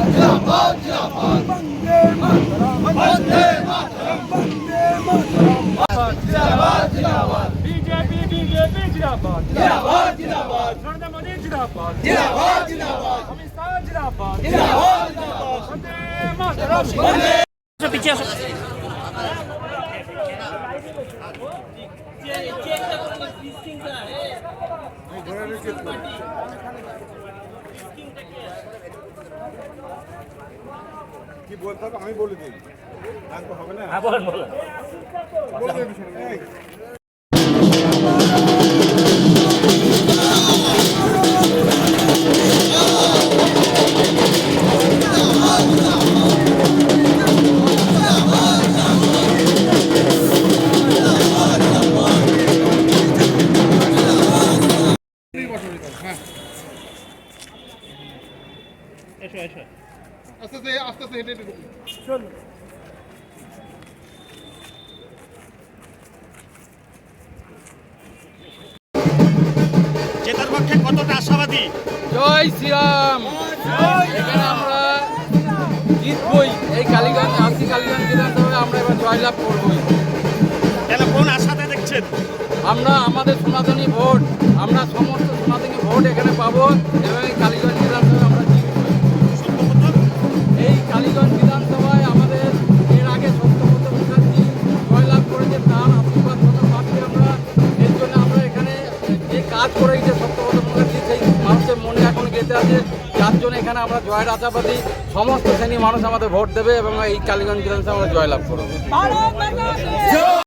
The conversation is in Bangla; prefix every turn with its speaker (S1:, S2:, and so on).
S1: बीजेपी बीजेपी जिंदाबाद जिंदाबाद जिंदाबाद नरेंद्र मोदी जिंदाबाद जिंदाबाद जिंदाबाद अमित शाह जिंदाबाद जिंदाबाद जिंदाबाद वंदे मातरम पीछे
S2: কি বলতে হবে আমি বলে দিই তো হবে না
S1: হ্যাঁ বলেন বলেন এসো এসো
S2: আস্তে আস্তে আস্তে আস্তে হেঁটে হেঁটে
S1: চলো
S3: জেতার পক্ষে কতটা আশাবাদী?
S4: জয় শ্রীরাম। এখানে আমরা জিতবই। এই কালীগঞ্জ কালীগঞ্জ বিধানসভায় আমরা এবার জয়লাভ করবই।
S3: কেন, কোন আশাতে দেখছেন?
S4: আমরা আমাদের সনাতনী ভোট, আমরা সমস্ত সনাতনী ভোট এখানে পাবো এবং এই কালীগঞ্জ বিধানসভায় আমরা জিতবই। এই কালীগঞ্জ বিধানসভায় আমাদের এর আগে সত্যব্রত মুখার্জি জয়লাভ করেছে, তার আশীর্বাদ পাচ্ছি আমরা। এর জন্য আমরা এখানে যে কাজ করে গেছে সত্যব্রত মুখার্জি, সেই মানুষের মনে এখন গেঁথে আছে, যার জন্য এখানে আমরা জয়ের আশাবাদী। সমস্ত শ্রেণী মানুষ আমাদের ভোট দেবে এবং এই কালীগঞ্জ বিধানসভায় আমরা জয়লাভ করবো।